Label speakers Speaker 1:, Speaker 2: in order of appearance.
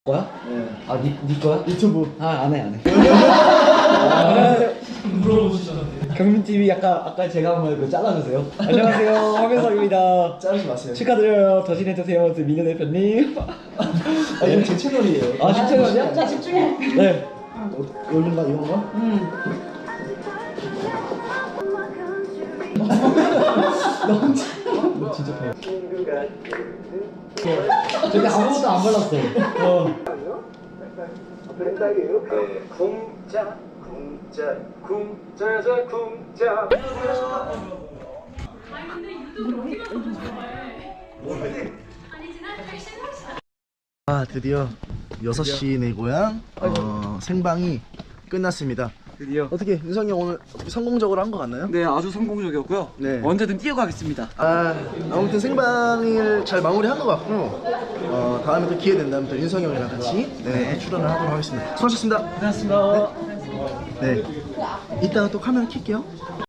Speaker 1: 거야?
Speaker 2: 네.
Speaker 1: 아, 니 거야?
Speaker 2: 유튜브.
Speaker 1: 아, 안 해, 안 해.
Speaker 3: 물어보시잖아요.
Speaker 1: 경민TV 아까 제가 한 말 그 잘라주세요. 안녕하세요, 황현석입니다.
Speaker 2: 자르지 마세요.
Speaker 1: 축하드려요. 더진해주세요, 민호 대표님.
Speaker 2: 아, 이건 제 채널이에요.
Speaker 1: 아, 진짜요?
Speaker 4: 자 집중해.
Speaker 1: 네.
Speaker 2: 여긴가 이건가?
Speaker 1: 나 혼자. 진짜 봐. 근데 아무것도 안 발랐어.
Speaker 2: 궁자자 궁자.
Speaker 4: 아니 근데 유튜브 어디가 더 좋아해? 아니 지난 패션
Speaker 2: 아, 드디어 6시 내 고향 생방이 끝났습니다.
Speaker 3: 드디어.
Speaker 2: 어떻게 윤성이 형 오늘 성공적으로 한 것 같나요?
Speaker 3: 네, 아주 성공적이었고요.
Speaker 2: 네.
Speaker 3: 언제든 뛰어가겠습니다.
Speaker 2: 아무튼 생방을 잘 마무리한 것 같고 다음에 또 기회 된다면 또 윤성이 형이랑 같이 또 출연을 하도록 하겠습니다. 수고하셨습니다.
Speaker 3: 고생하셨습니다.
Speaker 2: 네. 이따가 또 카메라 켤게요.